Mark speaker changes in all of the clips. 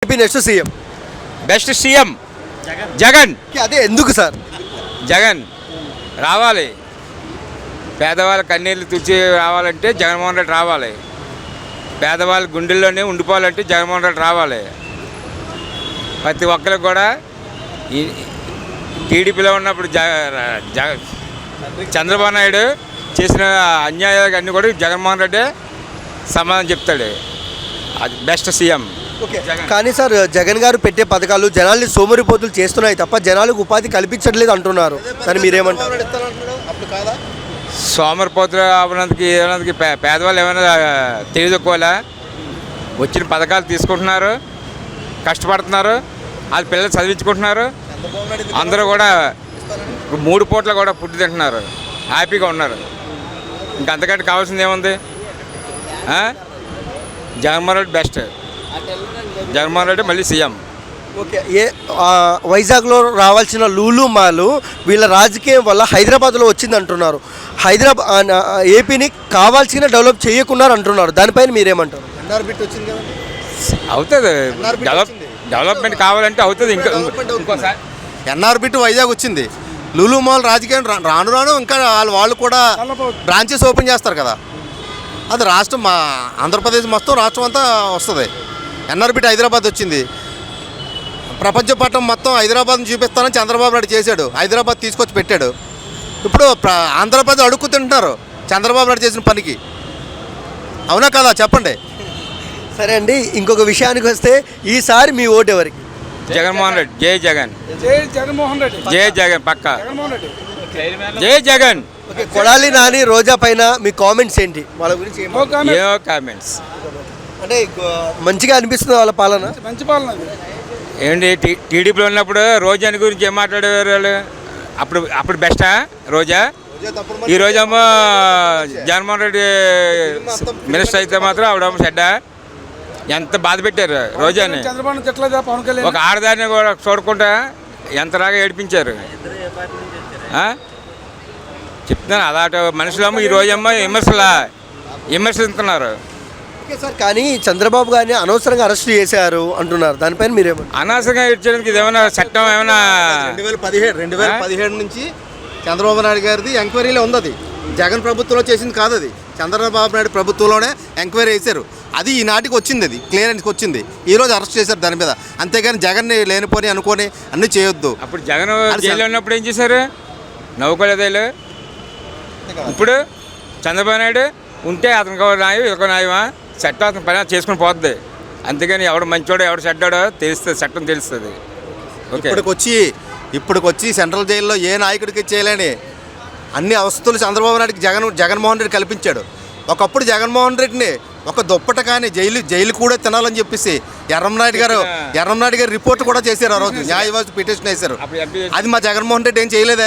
Speaker 1: AP next CM
Speaker 2: best CM Jagan.
Speaker 1: అదే ఎందుకు sir?
Speaker 2: Jagan రావాలి, పేదవాళ్ళ కన్నీళ్ళు తుడిచి రావాలంటే జగన్మోహన్ రెడ్డి రావాలి. పేదవాళ్ళ గుండెల్లోనే ఉండిపోవాలంటే జగన్మోహన్ రెడ్డి రావాలి. ప్రతి ఒక్కరికి కూడా ఈ టీడీపీలో ఉన్నప్పుడు చంద్రబాబు నాయుడు చేసిన అన్యాయాలు అన్నీ కూడా జగన్మోహన్ రెడ్డి సమాధానం చెప్తాడు. అది బెస్ట్ సీఎం.
Speaker 1: ఓకే, కానీ సార్ జగన్ గారు పెట్టే పథకాలు జనాల్ని సోమరిపోతులు చేస్తున్నాయి తప్ప జనాలకు ఉపాధి కల్పించట్లేదు అంటున్నారు. కానీ మీరేమంటారు?
Speaker 2: సోమరిపోతులు అవడానికి పేదవాళ్ళు ఏమైనా తెలియదుకోవాలా? వచ్చిన పథకాలు తీసుకుంటున్నారు, కష్టపడుతున్నారు, వాళ్ళ పిల్లలు చదివించుకుంటున్నారు. అందరూ కూడా 3 పూట్ల కూడా ఫుడ్ తింటున్నారు, హ్యాపీగా ఉన్నారు. ఇంకంతకంటే కావాల్సింది ఏముంది? జగన్మోహన్ రెడ్డి బెస్ట్. జగన్మోహన్ రెడ్డి మళ్ళీ సీఎం.
Speaker 1: ఓకే, వైజాగ్లో రావాల్సిన లూలు మాల్ వీళ్ళ రాజకీయం వల్ల హైదరాబాద్లో వచ్చింది అంటున్నారు. ఏపీని కావాల్సిన డెవలప్ చేయకున్నారు అంటున్నారు. దానిపైన మీరేమంటారు?
Speaker 2: అవుతుంది, డెవలప్మెంట్ కావాలంటే అవుతుంది. ఇంకోసారి
Speaker 3: ఎన్ఆర్బిట్ వైజాగ్ వచ్చింది. లూలు మాల్ రాజకీయం రాను రాను ఇంకా వాళ్ళు కూడా బ్రాంచెస్ ఓపెన్ చేస్తారు కదా. అది రాష్ట్రం మా ఆంధ్రప్రదేశ్ మొత్తం రాష్ట్రం అంతా వస్తుంది. ఎన్ఆర్బిట్ హైదరాబాద్ వచ్చింది. ప్రపంచ పట్టణం మొత్తం హైదరాబాద్ని చూపిస్తానని చంద్రబాబు నాయుడు చేశాడు. హైదరాబాద్ తీసుకొచ్చి పెట్టాడు. ఇప్పుడు ఆంధ్రప్రదేశ్ అడుక్కు తింటున్నారు చంద్రబాబు నాయుడు చేసిన పనికి. అవునా కదా చెప్పండి.
Speaker 1: సరే అండి, ఇంకొక విషయానికి వస్తే ఈసారి మీ ఓటు ఎవరికి?
Speaker 2: జగన్మోహన్ రెడ్డి. జై జగన్.
Speaker 4: జగన్మోహన్ రెడ్డి.
Speaker 2: జై జగన్ పక్క. జై జగన్.
Speaker 1: ఓకే, కొడాలి నాని రోజా పైన మీ కామెంట్స్ ఏంటి? వాళ్ళ గురించి
Speaker 2: ఏమో కామెంట్స్
Speaker 1: అంటే మంచిగా అనిపిస్తుంది వాళ్ళ పాలన?
Speaker 4: మంచి పాలన.
Speaker 2: ఏంటి టీడీపీలో ఉన్నప్పుడు రోజాని గురించి ఏం మాట్లాడేవారు వాళ్ళు? అప్పుడు బెస్టా రోజా? ఈ రోజేమో జగన్మోహన్ రెడ్డి మినిస్టర్ అయితే మాత్రం ఆవిడేమో చెడ్డా. ఎంత బాధ పెట్టారు రోజాని. ఒక ఆడదాన్ని కూడా చూడకుండా ఎంతలాగా ఏడిపించారు. చెప్తున్నాను, అలాంటి మనుషులేమో ఈ రోజేమో విమర్శిస్తున్నారు.
Speaker 1: ఓకే సార్, కానీ చంద్రబాబు గారిని అనవసరంగా అరెస్ట్ చేశారు అంటున్నారు. దానిపైన మీరేమో?
Speaker 2: అనవసరంగా ఇచ్చేందుకు ఇది ఏమైనా చట్టం ఏమైనా
Speaker 3: 2017 నుంచి చంద్రబాబు నాయుడు గారిది ఎంక్వైరీలో ఉంది. అది జగన్ ప్రభుత్వంలో చేసింది కాదు. అది చంద్రబాబు నాయుడు ప్రభుత్వంలోనే ఎంక్వైరీ చేశారు. అది ఈనాటికి వచ్చింది, అది క్లియరెన్స్కి వచ్చింది. ఈరోజు అరెస్ట్ చేశారు దాని మీద. అంతేగాని జగన్ని లేనిపోని అనుకొని అన్నీ చేయొద్దు.
Speaker 2: అప్పుడు జగన్ జైల్లో ఉన్నప్పుడు ఏం చేశారు? నవ్వుకోలేదు. ఇప్పుడు చంద్రబాబు నాయుడు ఉంటే అతనికి న్యాయం, ఇక న్యాయమా? చట్టం అతని పని చేసుకుని పోతుంది. అంతేగాని ఎవడు మంచోడో ఎవడు చెడ్డాడో తెలుస్తుంది, చట్టం తెలుస్తుంది.
Speaker 3: ఇప్పటికొచ్చి సెంట్రల్ జైల్లో ఏ నాయకుడికి చేయలేని అన్ని అవస్థలు చంద్రబాబు నాయుడికి జగన్మోహన్ రెడ్డి కల్పించాడు. ఒకప్పుడు జగన్మోహన్ రెడ్డిని ఒక దుప్పట కానీ జైలు కూడా తినాలని చెప్పేసి ఎర్రంనాయుడు గారు రిపోర్ట్ కూడా చేశారు. ఆ రోజు న్యాయవాది పిటిషన్ వేశారు. అది మా జగన్మోహన్ రెడ్డి ఏం చేయలేదే.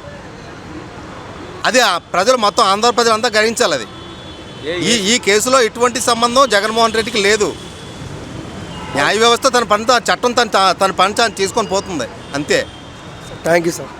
Speaker 3: అది ప్రజలు మొత్తం ఆంధ్ర ప్రజలు అంతా గ్రహించాలి. అది ఈ కేసులో ఎటువంటి సంబంధం జగన్మోహన్ రెడ్డికి లేదు. న్యాయ వ్యవస్థ తన పని చట్టం తన పని తీసుకొని పోతుంది అంతే.
Speaker 1: Thank you sir.